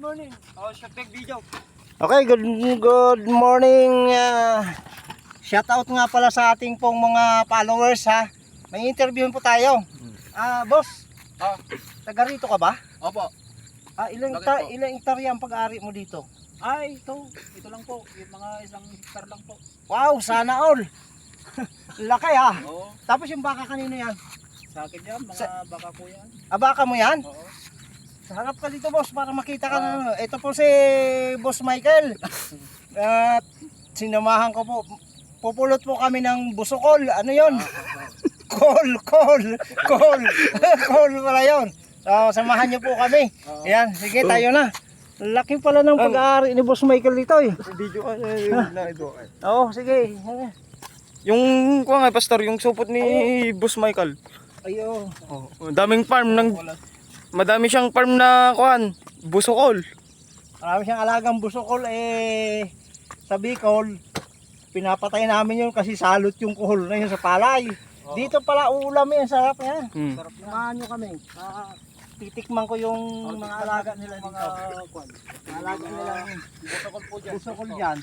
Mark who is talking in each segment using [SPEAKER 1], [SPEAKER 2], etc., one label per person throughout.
[SPEAKER 1] morning. Oh, shot tag video.
[SPEAKER 2] Okay, good morning. Shout out nga pala sa ating pong mga followers ha. May interviewin po tayo. Boss. Taga rito ka ba?
[SPEAKER 1] Opo.
[SPEAKER 2] Ilang
[SPEAKER 1] Bakit po?
[SPEAKER 2] ilang hektarya ang pag-ari mo dito?
[SPEAKER 1] Ay, ito lang po. Yung mga isang hektar lang po.
[SPEAKER 2] Wow, sana all. Laki ha.
[SPEAKER 1] Oo.
[SPEAKER 2] Tapos yung baka kanino yan?
[SPEAKER 1] Sa akin yan, mga baka po yan.
[SPEAKER 2] Baka mo yan?
[SPEAKER 1] Oo.
[SPEAKER 2] Harap ka dito boss para makita ka na. Ito po si Boss Michael. At sinamahan ko po. Pupulot po kami ng busokol. Ano yon? Call pala yun. So, samahan niyo po kami. Ayan, sige tayo na. Laki pala ng pag-aari ni Boss Michael dito eh.
[SPEAKER 3] Video na ito.
[SPEAKER 2] Oo, sige.
[SPEAKER 3] Yung kuha nga pastor, yung supot ni Boss Michael.
[SPEAKER 2] Ayo.
[SPEAKER 3] Daming farm ng madami siyang farm na kuan, busokol.
[SPEAKER 2] Marami siyang alagang busokol sa Bicol. Pinapatay namin yun kasi salot yung kuhol na yun sa palay. Dito pala uulam yan, sarap yan. Sarap naman nyo kami. Titikman ko yung mga alaga nila dito. Mga alaga nila
[SPEAKER 1] Busokol po dyan.
[SPEAKER 2] busokol dyan.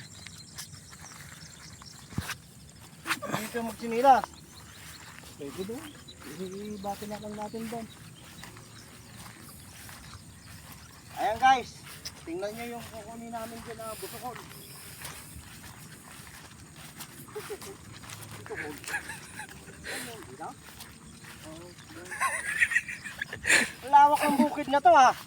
[SPEAKER 2] Dito magsinilas.
[SPEAKER 1] Pwede doon. Ibati na lang natin doon.
[SPEAKER 2] Ayan guys, tingnan nyo yung kukunin namin dyan na busokol. Lawak ng bukid na to ha.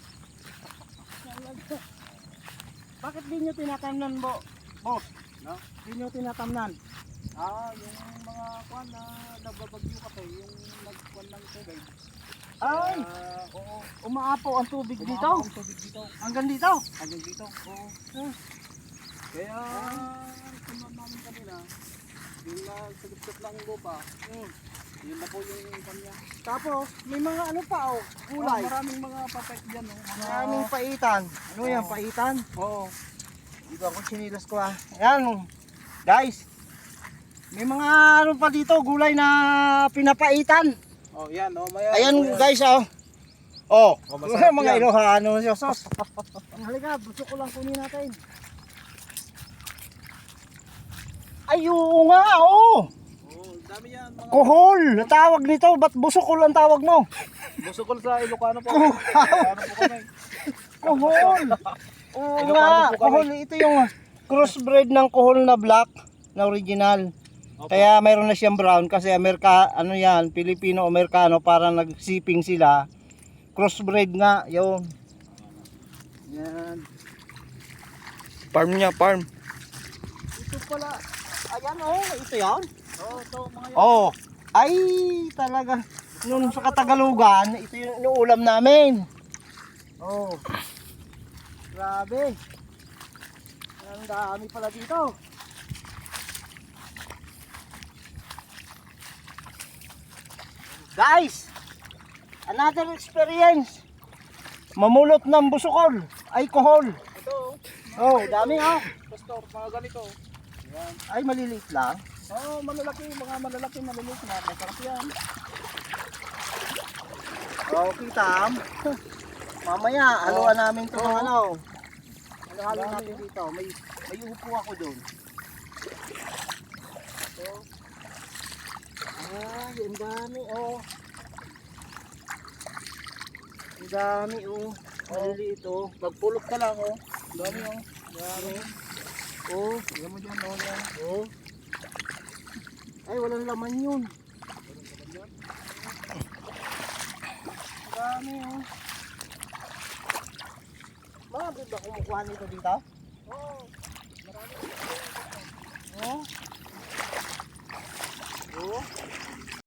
[SPEAKER 2] Bakit di nyo tinatamnan boss?
[SPEAKER 1] No?
[SPEAKER 2] Di nyo tinatamnan?
[SPEAKER 1] Yung mga kuan na nagbabagyo kasi, yung nagkuan ng tubig.
[SPEAKER 2] Ay,
[SPEAKER 1] Oo.
[SPEAKER 2] umaapaw ang tubig dito.
[SPEAKER 1] Umahapon ang tubig dito.
[SPEAKER 2] Hanggang dito.
[SPEAKER 1] Hanggang dito. Oo. Kaya, kuman namin kanina, yung nagsagot lang yung lupa, yun na po yung kanya.
[SPEAKER 2] Tapos, may mga ano pa gulay.
[SPEAKER 1] Maraming mga papet dyan.
[SPEAKER 2] Maraming paitan. Ano yan, paitan?
[SPEAKER 1] Oo.
[SPEAKER 2] Dito ako sinilas ko ha. Ayan, guys. May mga ano pa dito, gulay na pinapaitan.
[SPEAKER 1] Oh, yan. Oh,
[SPEAKER 2] Ayan guys, mga Ilocano siya, sos. Halika, gusto ko lang kunin natin. Ay, oo nga,
[SPEAKER 1] dami yan. Mga
[SPEAKER 2] Kuhol, tawag nito. Ba't busokol ang tawag mo?
[SPEAKER 1] busokol sa Ilocano po. Ilocano po kami.
[SPEAKER 2] Kuhol. Oo
[SPEAKER 1] Ilocano
[SPEAKER 2] nga,
[SPEAKER 1] po kami.
[SPEAKER 2] kuhol. Ito yung crossbred ng kuhol na black na original. Kaya mayroon na siyang brown kasi Pilipino-Amerikano, parang nagsiping sila. Crossbred nga, yun. Yan.
[SPEAKER 3] Farm niya, farm.
[SPEAKER 2] Ito pala, ayan ito yan.
[SPEAKER 1] Ito mga yan.
[SPEAKER 2] Ay talaga. Noon sa Katagalugan, ito yung inuulam namin. Grabe. Ang dami pala dito. Guys, another experience. Mamulot ng busokol, ay kuhol.
[SPEAKER 1] Ito.
[SPEAKER 2] Dami
[SPEAKER 1] Pastor, mga ganito. Yan.
[SPEAKER 2] Ay maliliit lang.
[SPEAKER 1] Malalaki. Mga malalaki, maliliit na. Masarap yan.
[SPEAKER 2] Kitam. Mamaya, haluan namin ito ng ano. Halo natin dito. May upo ako doon. Ang dami Ang dami maliliit
[SPEAKER 1] Magpulot ka lang, Dami,
[SPEAKER 2] Dami.
[SPEAKER 1] Tignan mo dyan, yan.
[SPEAKER 2] Ay, walang laman yun. Dami Bakit ba kumukuha nito dito?